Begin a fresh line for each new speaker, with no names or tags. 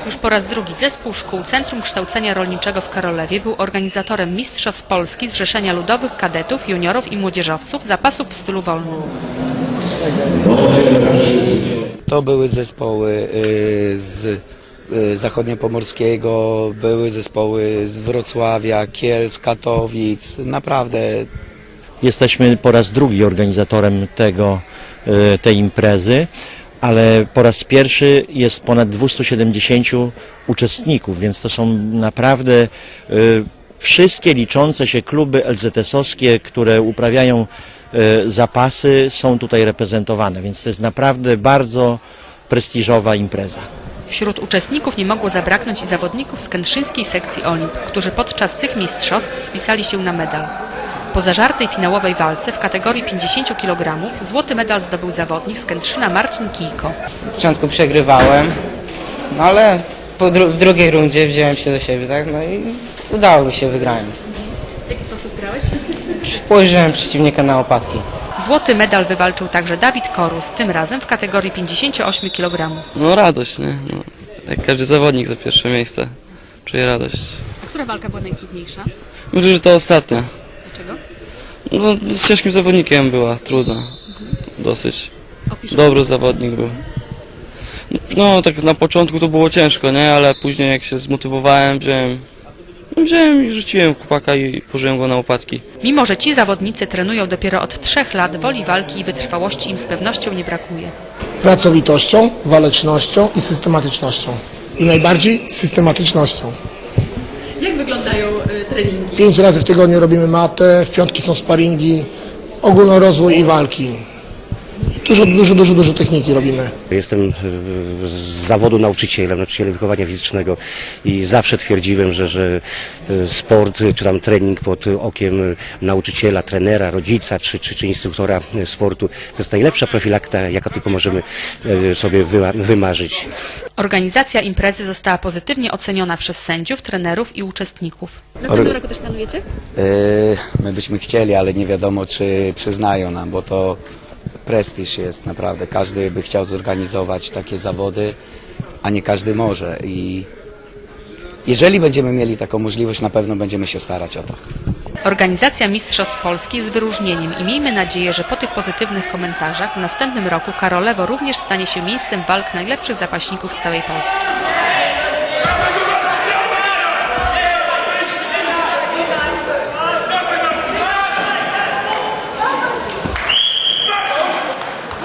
Już po raz drugi Zespół Szkół Centrum Kształcenia Rolniczego w Karolewie był organizatorem Mistrzostw Polski Zrzeszenia Ludowych Kadetów, Juniorów i Młodzieżowców zapasów w stylu wolnym.
To były zespoły z Zachodniopomorskiego, były zespoły z Wrocławia, Kielc, Katowic. Naprawdę.
Jesteśmy po raz drugi organizatorem tej imprezy, ale po raz pierwszy jest ponad 270 uczestników, więc to są naprawdę wszystkie liczące się kluby LZS-owskie, które uprawiają zapasy, są tutaj reprezentowane, więc to jest naprawdę bardzo prestiżowa impreza.
Wśród uczestników nie mogło zabraknąć i zawodników z kętrzyńskiej sekcji Olimp, którzy podczas tych mistrzostw spisali się na medal. Po zażartej finałowej walce w kategorii 50 kg złoty medal zdobył zawodnik z Kętrzyna Marcin Kijko.
W początku przegrywałem, no ale w drugiej rundzie wziąłem się do siebie, tak? No i udało mi się, wygrałem.
W jaki sposób grałeś?
Położyłem przeciwnika na łopatki.
Złoty medal wywalczył także Dawid Korus, tym razem w kategorii 58 kg.
No radość, nie? No, jak każdy zawodnik za pierwsze miejsce. Czuję radość.
A która walka była najtrudniejsza?
Myślę, że to ostatnia.
Dlaczego?
No, z ciężkim zawodnikiem była, trudna. Dosyć. Dobry zawodnik był. No, tak na początku to było ciężko, nie? Ale później jak się zmotywowałem, wziąłem i rzuciłem chłopaka i położyłem go na łopatki.
Mimo że ci zawodnicy trenują dopiero od 3 lat, woli walki i wytrwałości im z pewnością nie brakuje.
Pracowitością, walecznością i systematycznością. I najbardziej systematycznością.
Jak wyglądają treningi?
5 razy w tygodniu robimy matę, w piątki są sparingi, ogólnorozwój i walki. Dużo techniki robimy.
Jestem z zawodu nauczycielem wychowania fizycznego i zawsze twierdziłem, że sport czy tam trening pod okiem nauczyciela, trenera, rodzica czy instruktora sportu to jest najlepsza profilakta, jaka tylko możemy sobie wymarzyć.
Organizacja imprezy została pozytywnie oceniona przez sędziów, trenerów i uczestników. Następnym roku też planujecie?
My byśmy chcieli, ale nie wiadomo, czy przyznają nam, bo to prestiż jest naprawdę. Każdy by chciał zorganizować takie zawody, a nie każdy może. I jeżeli będziemy mieli taką możliwość, na pewno będziemy się starać o to.
Organizacja Mistrzostw Polski jest wyróżnieniem i miejmy nadzieję, że po tych pozytywnych komentarzach w następnym roku Karolewo również stanie się miejscem walk najlepszych zapaśników z całej Polski.